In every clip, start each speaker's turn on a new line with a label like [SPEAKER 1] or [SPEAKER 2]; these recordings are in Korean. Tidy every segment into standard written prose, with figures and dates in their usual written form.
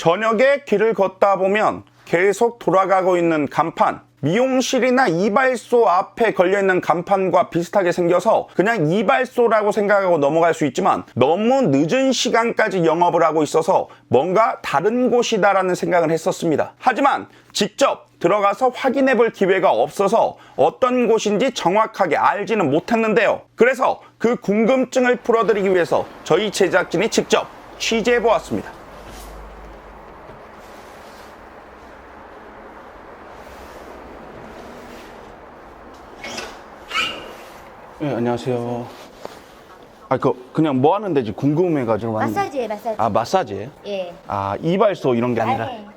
[SPEAKER 1] 저녁에 길을 걷다 보면 계속 돌아가고 있는 간판, 미용실이나 이발소 앞에 걸려있는 간판과 비슷하게 생겨서 그냥 이발소라고 생각하고 넘어갈 수 있지만 너무 늦은 시간까지 영업을 하고 있어서 뭔가 다른 곳이다라는 생각을 했었습니다. 하지만 직접 들어가서 확인해 볼 기회가 없어서 어떤 곳인지 정확하게 알지는 못했는데요. 그래서 그 궁금증을 풀어드리기 위해서 저희 제작진이 직접 취재해 보았습니다. 네, 안녕하세요. 그냥 뭐 하는 데지 궁금해가지고 왔는데.
[SPEAKER 2] 마사지예요, 마사지.
[SPEAKER 1] 아, 마사지예요?
[SPEAKER 2] 예.
[SPEAKER 1] 아, 이발소 이런 게 아니라.
[SPEAKER 2] 네.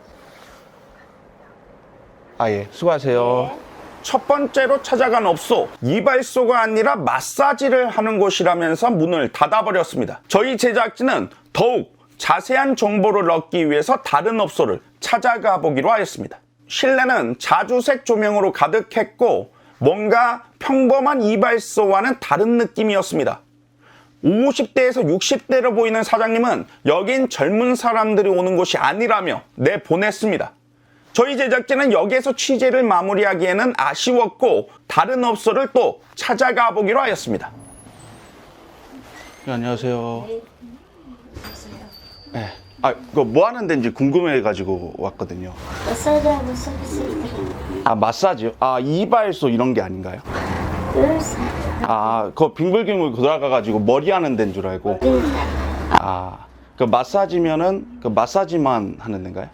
[SPEAKER 1] 아, 예. 수고하세요.
[SPEAKER 2] 네.
[SPEAKER 1] 첫 번째로 찾아간 업소, 이발소가 아니라 마사지를 하는 곳이라면서 문을 닫아버렸습니다. 저희 제작진은 더욱 자세한 정보를 얻기 위해서 다른 업소를 찾아가 보기로 하였습니다. 실내는 자주색 조명으로 가득했고 뭔가 평범한 이발소와는 다른 느낌이었습니다. 50대에서 60대로 보이는 사장님은 여긴 젊은 사람들이 오는 곳이 아니라며 내보냈습니다. 저희 제작진은 여기에서 취재를 마무리하기에는 아쉬웠고 다른 업소를 또 찾아가 보기로 하였습니다. 네, 안녕하세요. 네. 그거 뭐 하는 데인지 궁금해가지고 왔거든요.
[SPEAKER 2] 마사지하고 서비스 드립니다.
[SPEAKER 1] 아, 마사지요? 아, 이발소 이런 게 아닌가요? 아, 그거 빙글빙글 돌아가가지고 머리 하는 데인 줄 알고. 아, 그 마사지면은 그 마사지만 하는 데인가요?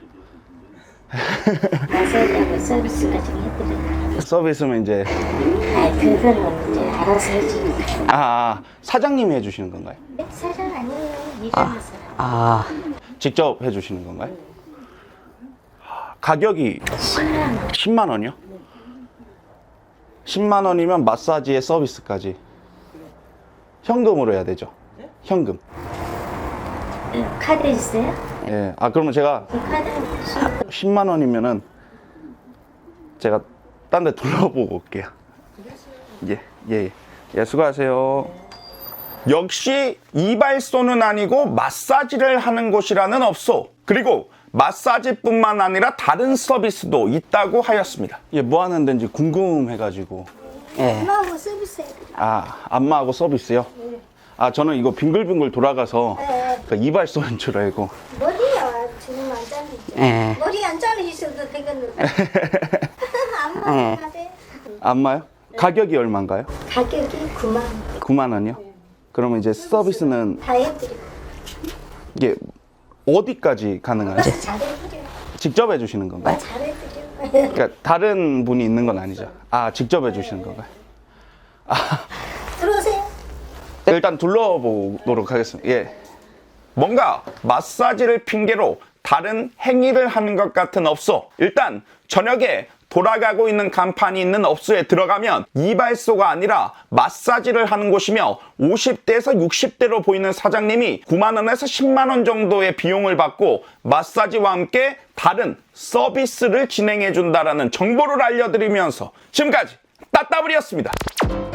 [SPEAKER 2] 마사지하고 서비스까지 해드려요.
[SPEAKER 1] 서비스면 이제.
[SPEAKER 2] 그거는 이제 알아서 해주니까.
[SPEAKER 1] 사장님이 해주시는 건가요?
[SPEAKER 2] 사장 아니에요. 일하는 사람.
[SPEAKER 1] 직접 해주시는 건가요? 가격이
[SPEAKER 2] 10만 원.
[SPEAKER 1] 10만 원이요? 10만 원이면 마사지에 서비스까지 현금으로 해야 되죠? 현금.
[SPEAKER 2] 카드 있어요?
[SPEAKER 1] 예. 그러면 제가
[SPEAKER 2] 그 카드
[SPEAKER 1] 10만 원이면은 제가 딴 데 둘러보고 올게요. 예, 수고하세요. 역시 이발소는 아니고 마사지를 하는 곳이라는 업소, 그리고 마사지뿐만 아니라 다른 서비스도 있다고 하였습니다. 뭐 하는 데인지 궁금해가지고.
[SPEAKER 2] 엄마하고 서비스 해드려요.
[SPEAKER 1] 안마하고 서비스요? 저는 이거 빙글빙글 돌아가서 그 이발소인 줄 알고.
[SPEAKER 2] 머리야 지금 안 잘리죠? 머리 안 잘리셔도 되겠는데. 안마 하대.
[SPEAKER 1] 안마요? 가격이 얼마인가요?
[SPEAKER 2] 가격이 9만 원.
[SPEAKER 1] 9만 원이요? 그러면 이제 서비스는
[SPEAKER 2] 다 해드리고.
[SPEAKER 1] 이게 어디까지 가능하죠?
[SPEAKER 2] 잘해드려요.
[SPEAKER 1] 직접 해주시는 건가요?
[SPEAKER 2] 잘해드려요.
[SPEAKER 1] 그러니까 다른 분이 있는 건 아니죠? 직접 해주시는 건가요?
[SPEAKER 2] 들어오세요.
[SPEAKER 1] 일단 둘러보도록 하겠습니다. 예. 뭔가 마사지를 핑계로 다른 행위를 하는 것 같은 업소. 일단 저녁에 돌아가고 있는 간판이 있는 업소에 들어가면 이발소가 아니라 마사지를 하는 곳이며 50대에서 60대로 보이는 사장님이 9만 원에서 10만 원 정도의 비용을 받고 마사지와 함께 다른 서비스를 진행해 준다라는 정보를 알려드리면서 지금까지 따따블이었습니다.